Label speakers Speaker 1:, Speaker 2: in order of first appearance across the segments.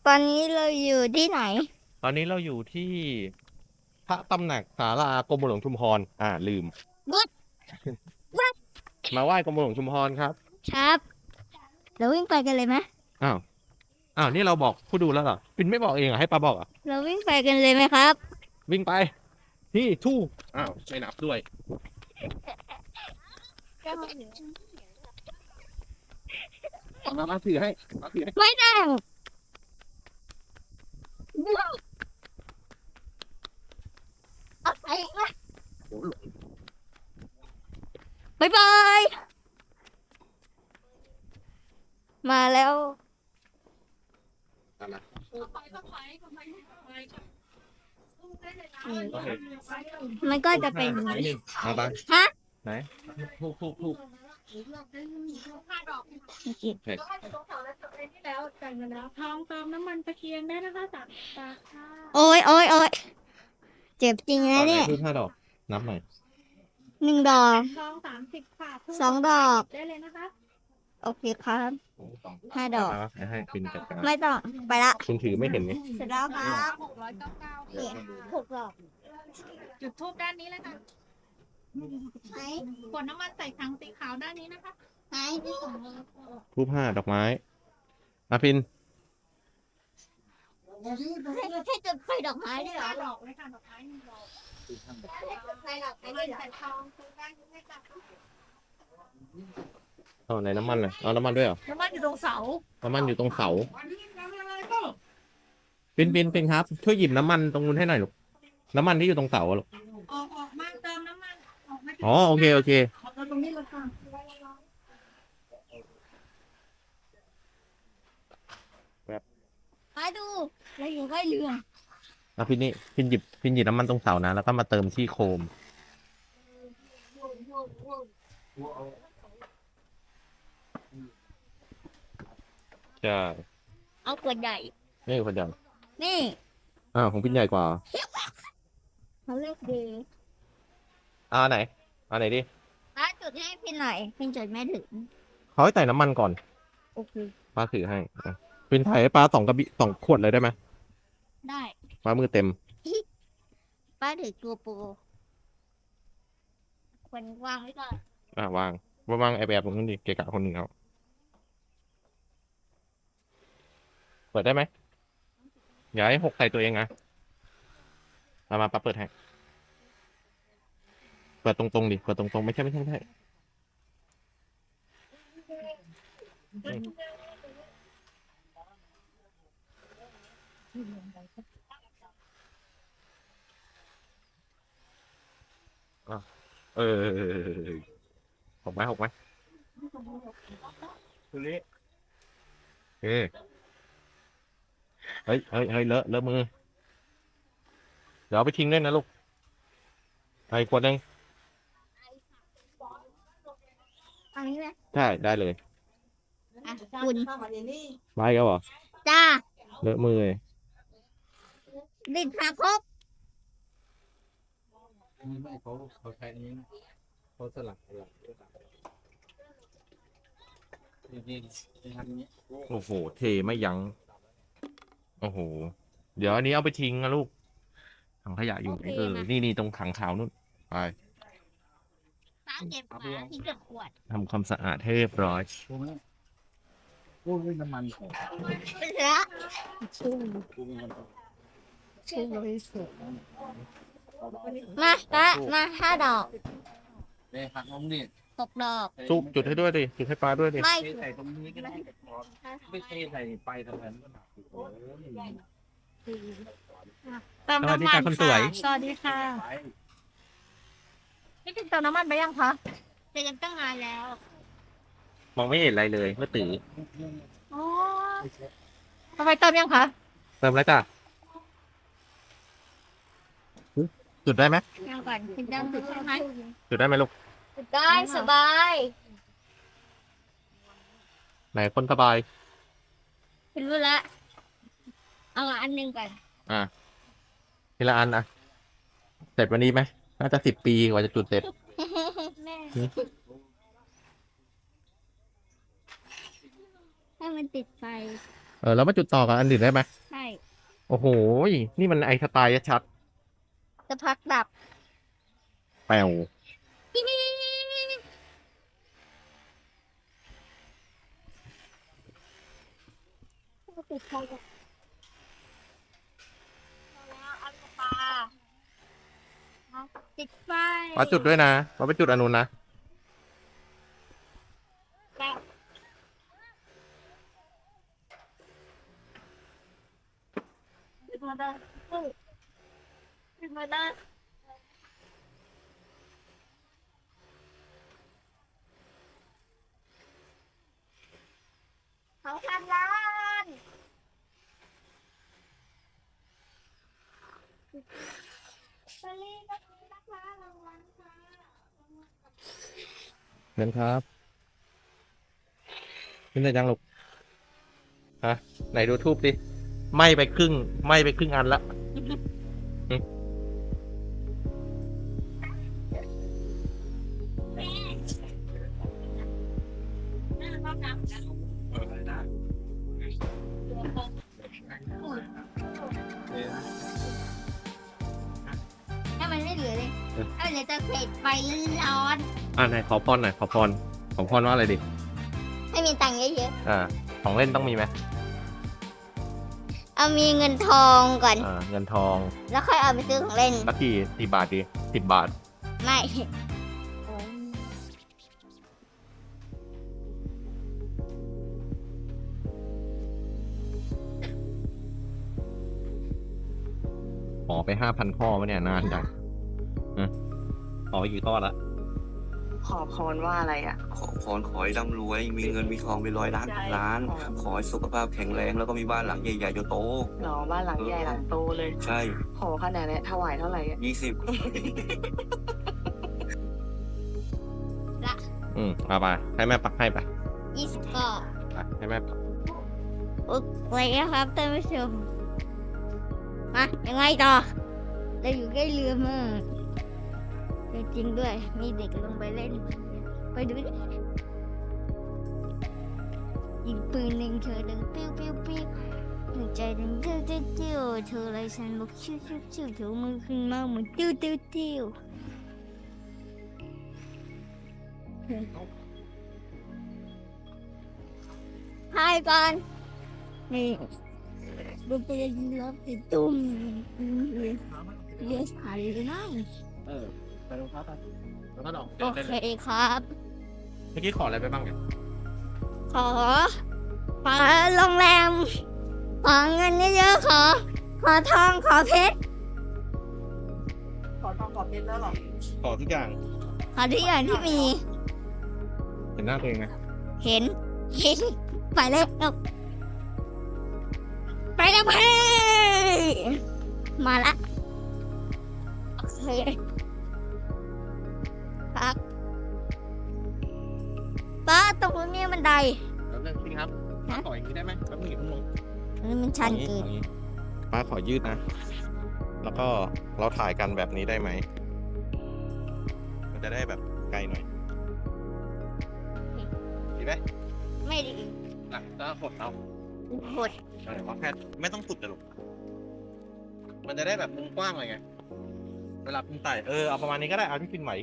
Speaker 1: ตอนนี้เราอยู่ที่ไหน
Speaker 2: ตอนนี้เราอยู่ที่พระตำหนักศาลากรมหลวงชุมพรลืม
Speaker 1: บุ๊ด
Speaker 2: มาไหว้กรมหลวงชุมพรครับ
Speaker 1: ครับเราวิ่งไปกันเลยไหม
Speaker 2: อ้าวนี่เราบอกผู้ดูแล้วเหรอปินไม่บอกเองเหรอให้ปาบอกเหรอ่ะ
Speaker 1: เราวิ่งไปกันเลยไหมครับ
Speaker 2: วิ่งไปที่ทู่ไม่นับด้วยมาถือให้
Speaker 1: ไม่ได้เอาไปนะบ๊ายบายมาแล้วมันก็จะเป็น
Speaker 2: มาบ้าง
Speaker 1: ฮะ
Speaker 2: ไหนทู่
Speaker 3: แล้วกันแล้วทองเติมน้ำมันตะเกียงได้นะคะ30 บาทค่ะ
Speaker 1: โอ้ยโอ้ยโอ้ยเจ็บจริงนะเนี่ย
Speaker 2: ทู่5 ดอกนับหน่อย
Speaker 1: 1 ดอก
Speaker 3: ทอง30 ค่ะ
Speaker 1: 2 ดอก
Speaker 3: ได้เลยนะคะ
Speaker 1: โอเคครับ5 ดอก
Speaker 2: ให้ปินจัดการ
Speaker 1: ไม่ต้องไปละ
Speaker 2: คุณถือไม่เห็นไง
Speaker 1: เสร็จแล้วครับ
Speaker 3: 699
Speaker 1: เนี่ย6 ดอก
Speaker 3: จุดทูบด้านนี้เลยค่ะ
Speaker 1: ไหน
Speaker 3: ขวดน้ำมันใส่ถังสีขาวด้านนี้นะคะ
Speaker 1: ไหนที่สอง
Speaker 2: ทู่5 ดอกไม้ปิน
Speaker 1: ให้จุดไฟดอกไม้ด้วยเหรอ
Speaker 3: ดอกเลยค่ะดอกไม้1 ดอก
Speaker 1: ไฟดอกไม้
Speaker 3: น้ำ
Speaker 1: ด้วยเหรอ
Speaker 3: มันใส่ทองซื้อได้เลยค่ะ
Speaker 2: ไหนน้ำมันน่ะเอาน้ำมันด้วยเหรอ
Speaker 3: น้ำมันอยู่ตรงเสา
Speaker 2: น้ำมันอยู่ตรงเสาปินครับช่วยหยิบน้ำมันตรงนู้นให้หน่อยลูกน้ำมันที่อยู่ตรงเสาอะลูก
Speaker 3: ออกมาเติมน้ำมันออกมา
Speaker 2: อ๋อโอเค
Speaker 3: เติมตรงนี้เลยค่ะ
Speaker 1: มาดูเราอยู่ใกล้เรือ
Speaker 2: พินหยิบน้ำมันตรงเสานะแล้วก็มาเติมที่โคมใช่
Speaker 1: เอาขวดใหญ่
Speaker 2: นี่คนเดียว
Speaker 1: นี่
Speaker 2: ของพินใหญ่กว่า
Speaker 1: เขาเรียกดี
Speaker 2: ไหนไหนดิ
Speaker 1: ป้าจุดให้พี่หน่อยพี่จุดไม่ถึง
Speaker 2: เขาให้ใส่น้ำมันก่อน
Speaker 1: โอเค
Speaker 2: ป้าถือให้พินถ่ายให้ป้า2 ขวดเลยได้ไหม
Speaker 1: ได้
Speaker 2: ป้ามือเต็ม
Speaker 1: ป้าถือตัวโปรควรวางไว้ก่อน
Speaker 2: วางไอแบบตรงนู้นดิเกะกะคนหนึ่งเอาเปิดได้ไหมอย่าให้6ใส่ตัวเองนะมาป้าเปิดให้เปิดตรงดิเปิดตรงไม่ใช่6ไหมคือนี้เฮ้ยเลอะมือเดี๋ยวเอาไปทิ้งด้วยนะลูกไอ้ขวดนึง
Speaker 1: อันนี้ไหม
Speaker 2: ใช่ได้เลย
Speaker 1: คุณ
Speaker 2: ไปก็เหรอ
Speaker 1: จ้า
Speaker 2: เลอะมือเลย
Speaker 1: ดินขาครบ
Speaker 4: ไม่เขาใช้นี้เขาสลักนี่ทำนี้
Speaker 2: โอ้โหเทไม่ยั้งโอ้โหเดี๋ยวอันนี้เอาไปทิ้งนะลูกถังขยะอยู่นี่ตรงถังขาวนู่นไป
Speaker 1: ป้าเก็บมาทิ้งกับขวด
Speaker 2: ทำความสะอาดให้เรียบร้อย
Speaker 4: พูดน้ำมันของ
Speaker 1: เป็นละมาป้ามา5 ดอก
Speaker 4: เนี่ยหักลงดิ
Speaker 1: 6 ดอก
Speaker 2: ซุปจุดให้ด้วยดิจุดให้ปลาด้วยดิ
Speaker 1: ไม่
Speaker 4: ใส่ตรงนี้ก็ได้ไม่เทใส่ไปตรงนั้น
Speaker 3: เติมน้ำมันค่ะสวัสดีค่ะนี่เติมน้ำมันไปยังคะ
Speaker 1: เต็มตั้งนานแล้ว
Speaker 2: มองไม่เห็นอะไรเลยเมื่อตื่น
Speaker 3: อ๋อทำไมเติมยังคะ
Speaker 2: เติมแล้วจ้ะจุดได้ไหม
Speaker 1: ยังก่อนคุณยังจุดใช่ไหม
Speaker 2: จุดได้ไหมลูก
Speaker 1: จุดได้สบาย
Speaker 2: ไหนคนสบาย
Speaker 1: เป็นรู้ละเอาอันหนึ่งก่อน
Speaker 2: ทีละอันเสร็จวันนี้ไหมน่าจะ10 ปีกว่าจะจุดเสร็จ
Speaker 1: ให้มันติดไฟ
Speaker 2: แล้วมาจุดต่อกับอันอื่นได้ไหม
Speaker 1: ใช่
Speaker 2: โอ้โหนี่มันไอสไตล์ชัด
Speaker 1: จะพักดับ
Speaker 2: แป๋ว
Speaker 1: ติดไฟแล้วเอาปลาติดไฟ
Speaker 2: มาจุดด้วยนะมาไปจุดอนนุนนะ
Speaker 1: ติดมาได้ติดมาได้2,000 ล้านสลีก็มีนะคะรางวัลค่ะ
Speaker 2: เชิญครับขึ้นได้จังลูกฮะไหนดูทูบดิไหม้ไปครึ่งอันละ
Speaker 1: ถ้ามันไม่เหลือเลยถ้าเหลือแต่เศษไฟร้อน
Speaker 2: ไหนขอพรหน่อยขอพรว่าอะไรดิ
Speaker 1: ไม่มีตังค์เยอะ
Speaker 2: ของเล่นต้องมีไหม
Speaker 1: ๆเอามีเงินทองก่อน
Speaker 2: เงินทอง
Speaker 1: แล้วค่อยเอาไปซื้อของเล่น
Speaker 2: สักกี่บาทดี10 บาท
Speaker 1: ไม่
Speaker 2: ขอไป5,000 ข้อวะเนี่ยนานจังขอไปกี่ข้อละ
Speaker 3: ขอพรว่าอะไรอ่ะ
Speaker 4: ขอพรขอให้ร่ำรวย มีเงินมีทองเป็น100 ล้านพันล้าน ขอให้สุขภาพแข็งแรงแล้วก็มีบ้านหลังใหญ่ๆโต
Speaker 3: หรอบ้านหลังใหญ่หลังโตเลย
Speaker 4: ๆใช่
Speaker 3: ขอขนาดนี้ถวายเท่าไหร่อะ
Speaker 4: 20
Speaker 2: เอาไปให้แม่ปักให้ไป
Speaker 1: 20 ก็
Speaker 2: ให้แม่ปัก
Speaker 1: ไว้นะครับท่านผู้ชมมายังไงต่อเราอยู่ใกล้เรือมากจริงด้วย มีเด็กลงไปเล่น ไปดูดิยิงปืนหนึ่งเธอดังปิ้วปิ้วปิ้วหัวใจดังเตี้ยวเตี้ยวเตี้ยวเธอไรฉันบอกชิวชิวชิวเธอมือขึ้นมาเหมือนติ้วติ้วติ้วถ่ายก่อนนี่ดูไปยิงรับติดตุ้มเรียกผ่านเลยนะ
Speaker 2: ไปลงพักไปแล้วก็ดอก
Speaker 1: โอเคครับ
Speaker 2: เมื่อกี้ขออะไรไปบ้างเนี่ย
Speaker 1: ขอโรงแรม ขอเงินเยอะๆขอทองขอเพชร
Speaker 3: ขอทองขอเพชรแล้วหรอ
Speaker 2: ขอทุกอย่าง
Speaker 1: ขอทุกอย่างที่มี
Speaker 2: เห็นหน้าตัวเองไหม
Speaker 1: เห็นไปเลยไปแล้วเพ่มาละโอเคครับป้าตรงนี้บันได
Speaker 2: แล้วนึงพี่ครับป้าขออย่างนี้ได้ไหมแป๊บนึงอย่าเพิ่งลง
Speaker 1: อันนี้มันชันเกิน
Speaker 2: อาอย่างนี้ป้าขอยืดนะ แล้วก็เราถ่ายกันแบบนี้ได้ไหม มันจะได้แบบไกลหน่อย ดีไหม
Speaker 1: ไม่ดี
Speaker 2: ก็หดเอา
Speaker 1: หด
Speaker 2: ว่าแค่ไม่ต้องสุดแต่ลูกมันจะได้แบบมุมกว้างเลยไง เวลาพิมพ์ไต่เอาประมาณนี้ก็ได้ เอาที่พิมพ์ไหว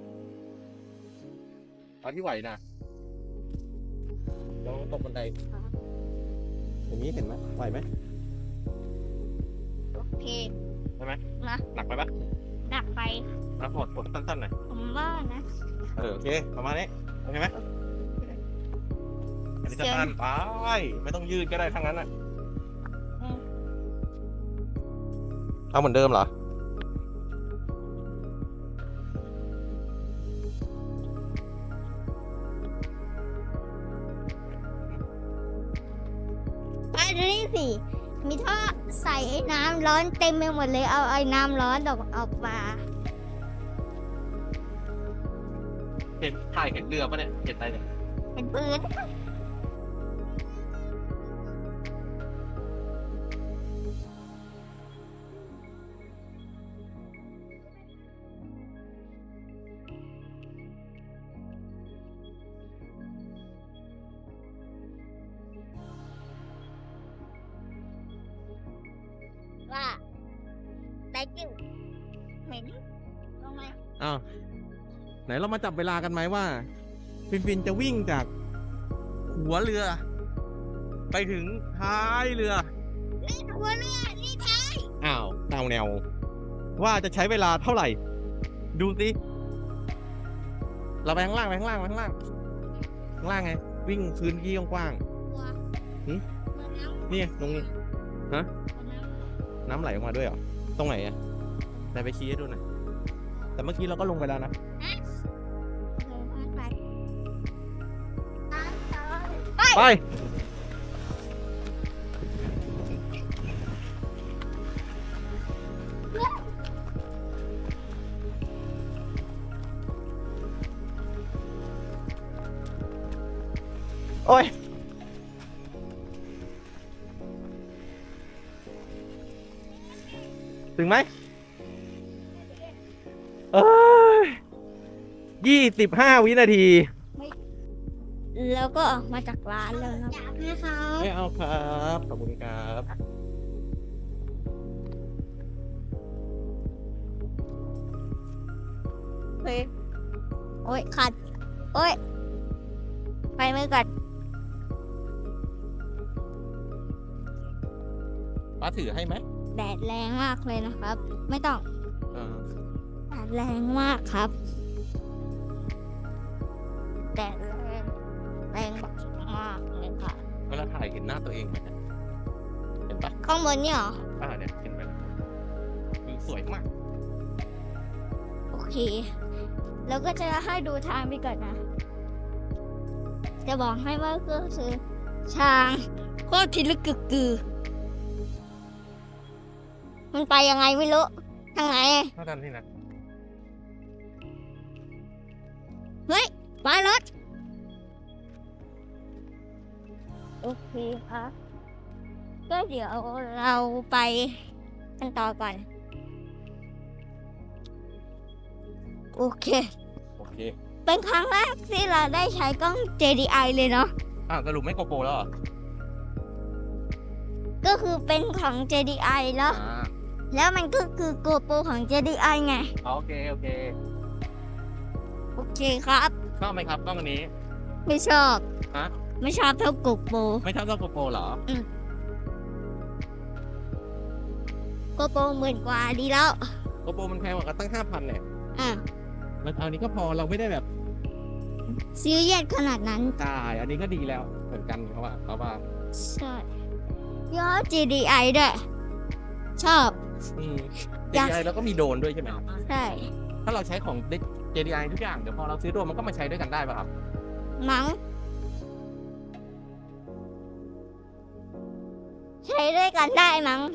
Speaker 2: เอาที่ไหวนะลองตกบันไดอย่างนี้เห็นไหมไหวไหม
Speaker 1: โอเค
Speaker 2: ใช่ไหม
Speaker 1: นะ
Speaker 2: หนักไปปะ
Speaker 1: ดักไป
Speaker 2: แล้วหดสั้นๆหน่อย
Speaker 1: ผมว่านะ
Speaker 2: โอเค ประมาณนี้ โอเคไหมอันนี้สั้นๆไป ไม่ต้องยืดก็ได้ทั้งนั้นอ่ะ เอาเหมือนเดิมเหรอ
Speaker 1: ไปดูนี่สิ มีท่อใส่ไอ้น้ำร้อนเต็มไปหมดเลย เอาไอ้น้ำร้อนออกมา
Speaker 2: เห็นถ่ายเห็นเรือปะเนี่ย เห็นอะไรเนี่ย
Speaker 1: เป็นปืน thank you เหม็นลงมา
Speaker 2: อ้าวไหนเรามาจับเวลากันไหมว่า ฟินจะวิ่งจากหัวเรือ ไปถึงท้ายเรือ
Speaker 1: นี่หัวเรือนี่ท้าย
Speaker 2: อ้าวเอาแนว ว่าจะใช้เวลาเท่าไหร่ ดูสิ เราไปข้างล่างไปข้างล่างไปข้างล่างข้างล่างไง วิ่งพื้นที่กว้าง
Speaker 1: หัว
Speaker 2: หืม
Speaker 1: เหมือนน้ำ
Speaker 2: ๆนี่ตรงนี้ ฮะ
Speaker 1: เหมือนน้ำ
Speaker 2: น้ำไหลออกมาด้วยเหรอ ตรงไหนอะไหนไปชี้ให้ดูหน่อย แต่เมื่อกี้เราก็ลงไปแล้วนะ ไป โอ้ย ถึงไหมเอ้ย25 วินาที
Speaker 1: แล้วก็ออกมาจากร้านแล้วนะแม่ครับ
Speaker 2: ไม่เอาครับ ขอบคุณครับ
Speaker 1: เฮ้ยโอ้ยขัดโอ้ยไปมือก่อน
Speaker 2: ป้าถือให้ไหม
Speaker 1: แดดแรงมากเลยนะครับ ไม่ต้อง
Speaker 2: เออ
Speaker 1: แดดแรงมากครับแดดแรงแรงมากเลยค่ะ
Speaker 2: เวลาถ่ายเห็นหน้าตัวเองไหมเนี่ยเห็นปะ
Speaker 1: ข้างบนเนี่ยเหรอ
Speaker 2: เนี่ยเห็นไหมคือสวยมาก
Speaker 1: โอเค แล้วก็จะให้ดูทางไปก่อนนะ จะบอกให้ว่าก็คือทางโคตรพิลึกกึกกือ มันไปยังไงไม่รู้ ทางไหน
Speaker 2: เท่านั้นที่นะ
Speaker 1: เฮ้ยมารถ โอเคครับ ก็เดี๋ยวเราไปกันต่อก่อน โอเค
Speaker 2: โอเค
Speaker 1: เป็นครั้งแรกที่เราได้ใช้กล้อง JDI เลยเนาะ
Speaker 2: สรุปไม่โกโปรแล้วเหรอ
Speaker 1: ก็คือเป็นของ JDI แล้ว แล้วมันก็คือ GoPro ของ JDI ไง
Speaker 2: โอเค โอเค
Speaker 1: โอเคครับ
Speaker 2: ชอบไหมครับกล้องอันนี้
Speaker 1: ไม่ชอบ
Speaker 2: ฮะ
Speaker 1: ไม่ชอบเท่า GoPro
Speaker 2: ไม่ชอบเท่าโกโปรเหรอ
Speaker 1: GoPro 10,000 กว่าดีแล้ว
Speaker 2: โกโปรมันแพงกว่ากันตั้ง 5,000เนี่ย
Speaker 1: อ่ะ
Speaker 2: แล้วเอานี้ก็พอเราไม่ได้แบบ
Speaker 1: ซีเรียสขนาดนั้น
Speaker 2: จ่ายอันนี้ก็ดีแล้วเหมือนกันเพราะว่า
Speaker 1: ใช่ย้อ JDI ด้วย ชอบ อยาก
Speaker 2: JDI แล้วก็มีโดรนด้วยใช่ไหม
Speaker 1: ใช่
Speaker 2: ถ้าเราใช้ของ JDI ทุกอย่างเดี๋ยวพอเราซื้อโดรนมันก็มาใช้ด้วยกันได้ป่ะครับ
Speaker 1: มั้งใช้ด้วยกันได้มั้ง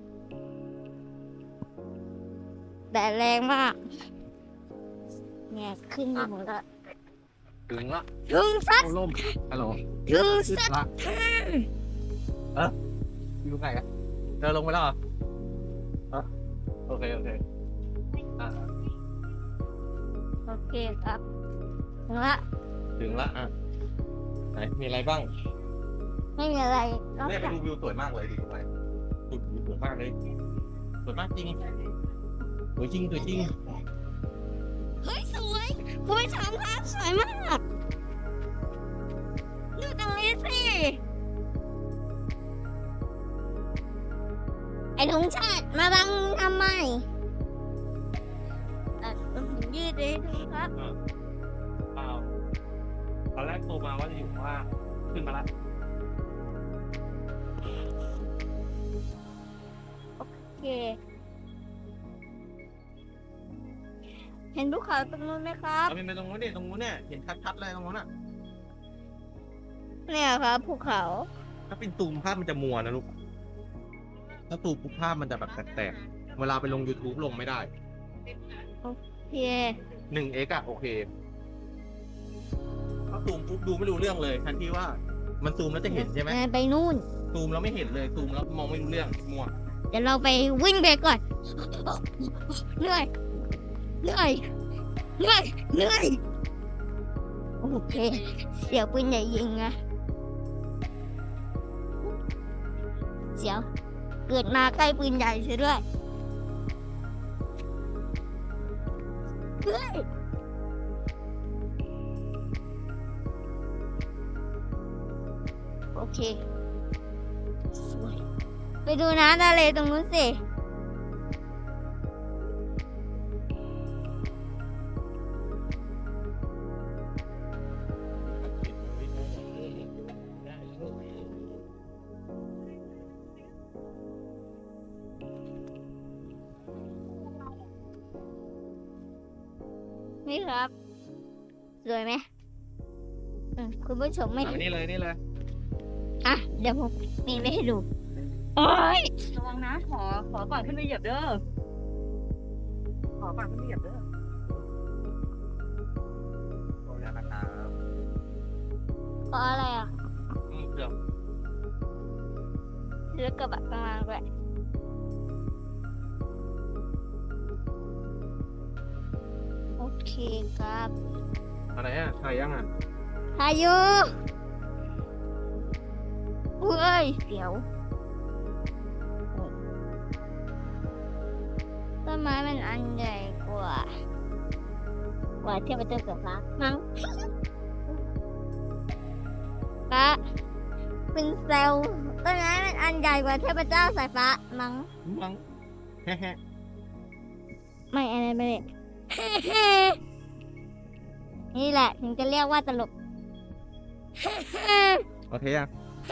Speaker 1: แต่แรงมาก เนี่ยขึ้นไปหมดละ
Speaker 2: ถึงละ
Speaker 1: ถึงสัก
Speaker 2: โอ้ล่มฮัลโหล
Speaker 1: ถึงสัก
Speaker 2: ละอยู่ไงอะเดินลงไปแล้วเหรอโอเค โอเค
Speaker 1: โอเคครับถึงละ
Speaker 2: ถึงละไหนมีอะไรบ้าง
Speaker 1: ไม่มีอะไรนอก
Speaker 2: เนี่ยไป
Speaker 1: จาก
Speaker 2: ดูวิวสวยมากเลยดูไปดูวิวสวยมากเลยสวยมากจริงสวยจริงสวยจริง
Speaker 1: เฮ้ยสวยคุณผู้ชมครับสวยมากดูตรงนี้สิไอ้ธงชาติมาบังทำไมผมยืดเลยดูครับ
Speaker 2: เปล่าตอนแรกโทรมาว่าจะอยู่ข้างล่างขึ้นมาละ
Speaker 1: โอเค เห็นภูเขาตรงนู้นไหมครับ
Speaker 2: เอาไปตรงนู้นดิตรงนู้นเนี่ยเห็นชัดๆเลยตรงนู้นอ่ะ
Speaker 1: เนี่ยครับภูเขา
Speaker 2: ถ้าเป็นตูมภาพมันจะมัวนะลูกถ้าตูมปุ๊บภาพมันจะแบบแตกๆเวลาไปลง YouTube ลงไม่ได้
Speaker 1: โอเค
Speaker 2: 1x อะโอเคถ้าซูมปุ๊บดูไม่รู้เรื่องเลยทันที่ว่ามันซูมแล้วจะเห็นใช่ไหม
Speaker 1: ไปนู่น
Speaker 2: ซูมแล้วไม่เห็นเลยซูมแล้วมองไม่รู้เรื่องมัว
Speaker 1: เดี๋ยวเราไปวิ่งไปก่อน เหนื่อย เหนื่อย เหนื่อย เหนื่อย โอเค เสียวปืนใหญ่ยิงนะเสียว เกิดมาใกล้ปืนใหญ่เสียด้วยเฮ้ยโอเคสวยไปดูน้ำทะเลตรงนู้นสิ นี่ครับ สวยไหมคุณผู้ชมไม่
Speaker 2: เอานี่เลยนี่เลย
Speaker 1: อ่ะ เดี๋ยวผมมีไม่ให้ดู โอ้ย
Speaker 3: ระวังนะ ขอก่อนขึ้นไปเหยียบเด้อ ขอก่อนขึ้นไปเหยียบเด้อ
Speaker 2: ขออนุญาตนะครับ
Speaker 1: เพราะอะไรอ่ะ
Speaker 2: เกือบ
Speaker 1: เลือกกระบะกลางด้วยโอเคครับ
Speaker 2: อะไรอ่ะถ่ายยังอ่ะ
Speaker 1: พายุเฮ้ยเสียวต้นไม้มันอันใหญ่กว่าเทียบกับต้นเสือฟ้ามั้งปะเป็นเซลล์ต้นไม้มันอันใหญ่กว่าเทพเจ้าสายฟ้ามั้ง
Speaker 2: มังแฮะ
Speaker 1: ไม่อะไรไม่ได้ นี่แหละถึงจะเรียกว่าตลก
Speaker 2: โอเคยัง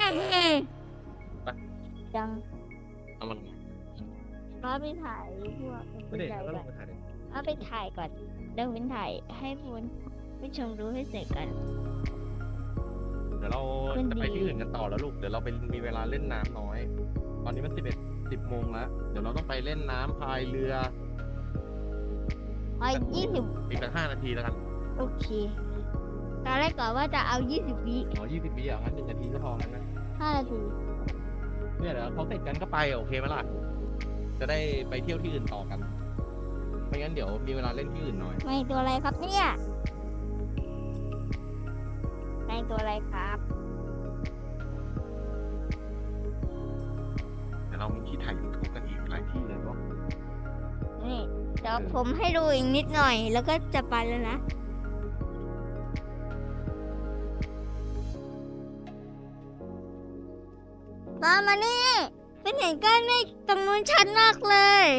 Speaker 1: จัง
Speaker 2: เอามัน
Speaker 1: ก็ไปถ่ายพวก
Speaker 2: ไม่ได้
Speaker 1: ใหญ่
Speaker 2: แล้วก็ล
Speaker 1: ก่อง น
Speaker 2: ไปถ่ายดิ
Speaker 1: เอาไปถ่ายก่อนเดี๋ยววินถ่ายให้คุณผู้ชมดูให้เสร็จกัน
Speaker 2: เดี๋ยวเรา
Speaker 1: มัน
Speaker 2: จะไป
Speaker 1: ดี
Speaker 2: ที่อื่นกันต่อแล้วลูก เดี๋ยวเราไปมีเวลาเล่นน้ำน้อย ตอนนี้มัน10 โมงแล้ว เดี๋ยวเราต้องไปเล่นน้ำพายเรือ
Speaker 1: เอา20
Speaker 2: อีกสัก5 นาทีแล้วกัน
Speaker 1: โอเคตอนแรกก่อนว่าจะเอา20 วิ
Speaker 2: อ๋อ20 วิอ่ะงั้น1 นาทีก็พอแล้วนะ
Speaker 1: 5 นาที
Speaker 2: เนี่ยเดี๋ยวเขาเสร็จกันก็ไปโอเคไหมล่ะ จะได้ไปเที่ยวที่อื่นต่อกัน ไม่งั้นเดี๋ยวมีเวลาเล่นที่อื่นหน่อย
Speaker 1: ในตัวอะไรครับเนี่ยในตัวอะไรครับ
Speaker 2: เดี๋ยวเรามีที่ถ่ายยูทูบกันอีกหลายที่เลยเนาะ
Speaker 1: นี่เดี๋ยวผมให้ดูอีกนิดหน่อย แล้วก็จะไปแล้วนะตามมานี่เป็นเห็นก้อนเมฆตรงนู้นชัดมากเลย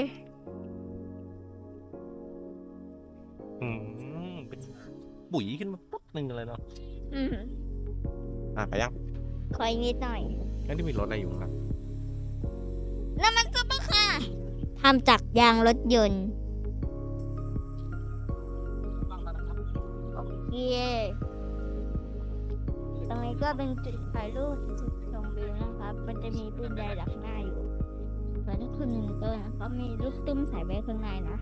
Speaker 2: เป็นปุ๋ยขึ้นมาปุ๊บหนึ่งเลยเนาะ
Speaker 1: อืม
Speaker 2: ไปยัง
Speaker 1: ขออีกนิดหน่อย
Speaker 2: งั้นที่มีรถอะไรอยู่ครับ
Speaker 1: น้ำมันซุปเปอร์ค่ะทำจากยางรถยนต์โอเคตรงนี้ก็เป็นจุดถ่ายรูปจุดชมวิวนะครับ มันจะมีปืนใหญ่ดักหน้าอยู่ส่วนถ้าคุณหนึ่งต้นก็มีลูกตุ้มใส่ไว้ข้างในนะ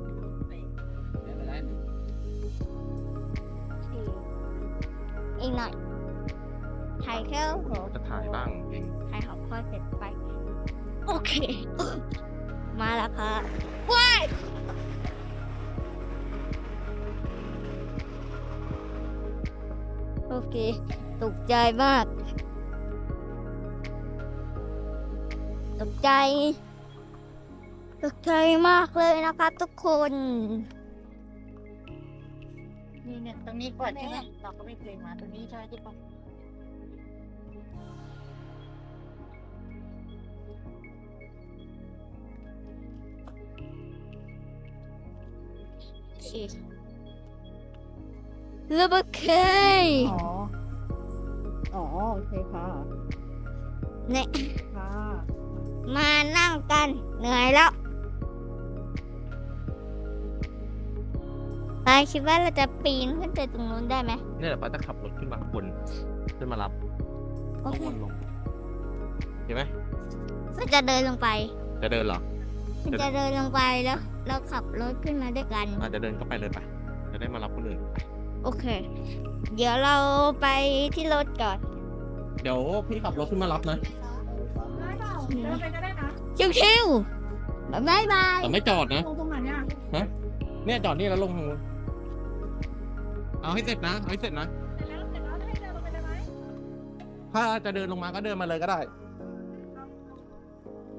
Speaker 1: โอเคอีกหน่อยถ่ายแค่หัว
Speaker 2: จะถ่ายบ้างเอง
Speaker 1: ถ่ายหัวข้อเสร็จไป โอเค มาแล้วค่ะว้ายโอเค ตกใจมาก ตกใจ ตกใจมากเลยนะครับทุกคน
Speaker 3: นี่เนี่ยตรงนี้ก่อนใช่ไหมเราก็ไม่เคยมาตรงนี้ใช่ไหมที่ปะ
Speaker 1: โอเคแล้วโอเค
Speaker 3: อ๋อโอเคค่ะ
Speaker 1: เนี่ย
Speaker 3: ค่ะ
Speaker 1: มานั่งกัน เหนื่อยแล้วไปคิดว่าเราจะปีนขึ้นไปตรงนู้นได้ไหม
Speaker 2: เนี่ยเดี๋ยวป้าจะขับรถขึ้นมาข้างบนขึ้นมารับ
Speaker 1: โอ
Speaker 2: ข้าง
Speaker 1: เค
Speaker 2: บนลงเห็นไหม
Speaker 1: ก็จะเดินลงไป
Speaker 2: จะเดินเหรอ
Speaker 1: จะเดินลงไปแล้วเราขับรถขึ้นมาด้วยกัน
Speaker 2: อาจจะเดินก็ไปเลยไปจะได้มารับคนอื่น
Speaker 1: โอเค เดี๋ยวเราไปที่รถก่อน
Speaker 2: เดี๋ยวพี่ขับรถขึ้นมารับนะ
Speaker 3: ได้เปล่าเดินไปก็ได้นะ
Speaker 1: ชิวๆบ๊ายบาย
Speaker 2: แต่ไม่จอดนะ
Speaker 3: ตรงไหนเนี่ย
Speaker 2: เนี่ยจอดนี่แล้วลงทางนู้นเอาให้เสร็จนะเอาให้เสร็จนะ
Speaker 3: เสร็จแล้วให้เดินลงไปได้ไหม
Speaker 2: ถ้าจะเดินลงมาก็เดินมาเลยก็ได้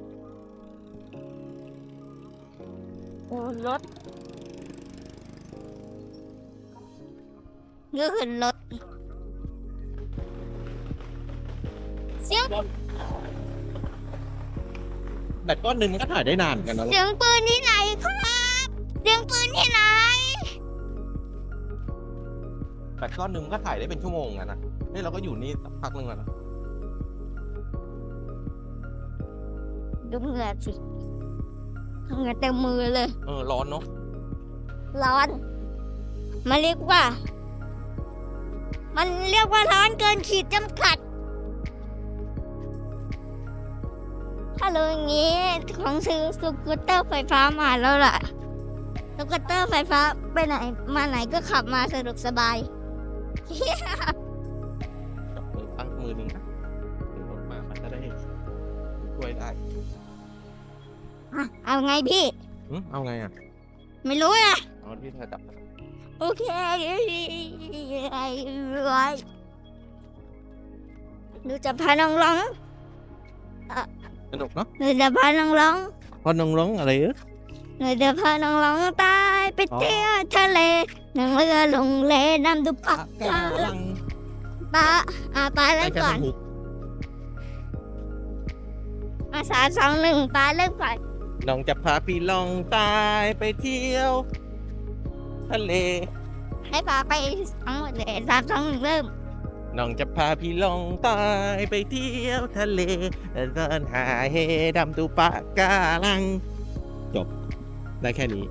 Speaker 1: โอ้รถก็คือรถเสียง
Speaker 2: แบตก้อนหนึ่งมันก็ถ่ายได้นานเหมือนกันนะลู
Speaker 1: เสี
Speaker 2: ก
Speaker 1: ยงปืนที่ไหนครับเสียงปืนที่ไหน
Speaker 2: แบตก้อนหนึ่งมันก็ถ่ายได้เป็นชั่วโมงอะนะนี่เราก็อยู่นี่สักพักหนึ่งแล้วนะ
Speaker 1: ดูเหงื่อสิเหงื่อเต็มมือเลย
Speaker 2: ร้อนเนาะ
Speaker 1: ร้อน มันเรียกว่าร้อนเกินขีดจำกัด ถ้าเลยอย่างนี้ของซื้อสกูตเตอร์ไฟฟ้ามาแล้วล่ะสกูตเตอร์ไฟฟ้าไปไหนมาไหนก็ขับมาสะดวกสบาย
Speaker 2: จับมือตั้งมือหนึ่งนะถึงรถมามันจะได้ช่วยได้
Speaker 1: เอาไงพี่
Speaker 2: เอาไงอ่ะ
Speaker 1: ไม่รู้นะ
Speaker 2: เอาที่เธอจับ
Speaker 1: โอเคหนูจะพาน้องร้อง
Speaker 2: สนุกเนาะ
Speaker 1: หนูจะพาน้องร้อง
Speaker 2: พอน้องร้องอะไร
Speaker 1: หนูจะพาน้องร้องตายไปเที่ยวทะเลนั่งเรือลงเลน้ำดูปากกาลังปลาเล่นก่อนมา3 2 1ปลาเล่นก่อน
Speaker 2: น้องจะพาพี่ลองตายไปเที่ยวทะเล
Speaker 1: ให้ปลาไปทั้งหมดเลย3 2 1เริ่ม
Speaker 2: น้องจะพาพี่ลองตายไปเที่ยวทะเลเดินหาเฮดำดูปะการัง จบ ได้แค่นี้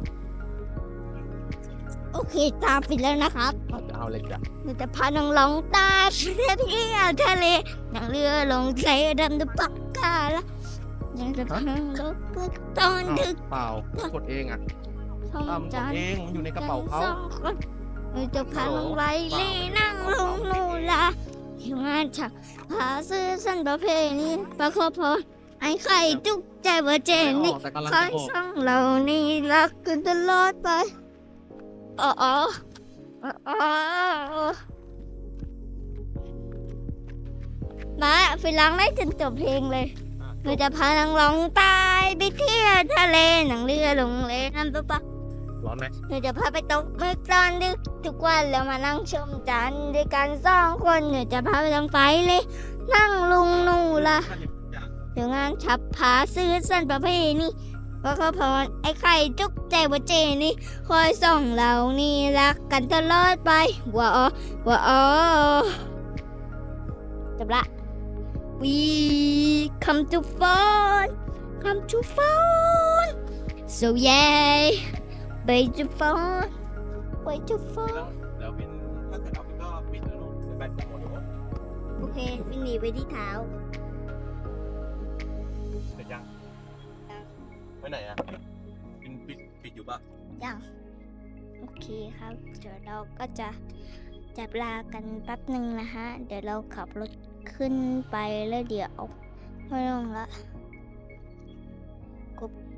Speaker 1: โอเคตามปิดแล้วนะครับ
Speaker 2: จะเอาอะไรจ้ะ
Speaker 1: หนูจะพาน้องร้องตายไปเที่ยวทะเลนั่งเรือลงเลน้ำดูปากกาลังยังจะพังรถเปิดตอนดึก
Speaker 2: เปล่ากดเองอ่ะ
Speaker 1: ท้อง
Speaker 2: มันก
Speaker 1: จั
Speaker 2: ด
Speaker 1: น
Speaker 2: เองมันอยู่ในกระเป๋าเขา
Speaker 1: สองคนหนูจะพาลงไว้เล่นั่งลงนูละที่งานฉักพาซื้อสั้นประเพณีประคบพอไอ้ไข่จุกใจเบอร์เจนนี่
Speaker 2: แต่กำลัง
Speaker 1: คอ
Speaker 2: จะ
Speaker 1: ย
Speaker 2: ออก
Speaker 1: ส่องเรานี่รักกันตลอดไปอ๋อมาฟิลังได้จนจบเพลงเลยหนูจะพานางร้องตายไปเที่ยวทะเลหนังเรือลงเลน้ำตุ๊ปะ
Speaker 2: ร้อนไหม
Speaker 1: หนูจะพาไปตกหมึกตอนดึกทุกวันแล้วมานั่งชมจันทร์ด้วยกัน2 คนหนูจะพาไปทางไฟเลยนั่งลุงนูละเดี๋ยวงานฉับผาซื้อสั้นประเพณีว่าเขาพรไอ้ไข่จุกใจว่าเจนี่คอยส่องเรานี่รักกันตลอดไปว้าจบละ We come to phone so yeah ไปจะฟ้อนไปจะฟ้อน
Speaker 2: แล้วบินถ้าเกิดเอาบินก็บินแล้วลูกแบตจะหมดแล้ว
Speaker 1: โอเคฟินหนีไปที่เท้า
Speaker 2: เสร็จยังไปไหนอ่ะบินปิดอยู่ปะ
Speaker 1: ยังโอเคครับ เดี๋ยวเราก็จะจับลากันแป๊บหนึ่งนะฮะ เดี๋ยวเราขับรถขึ้นไปแล้วเดี๋ยวไม่ลงละกบ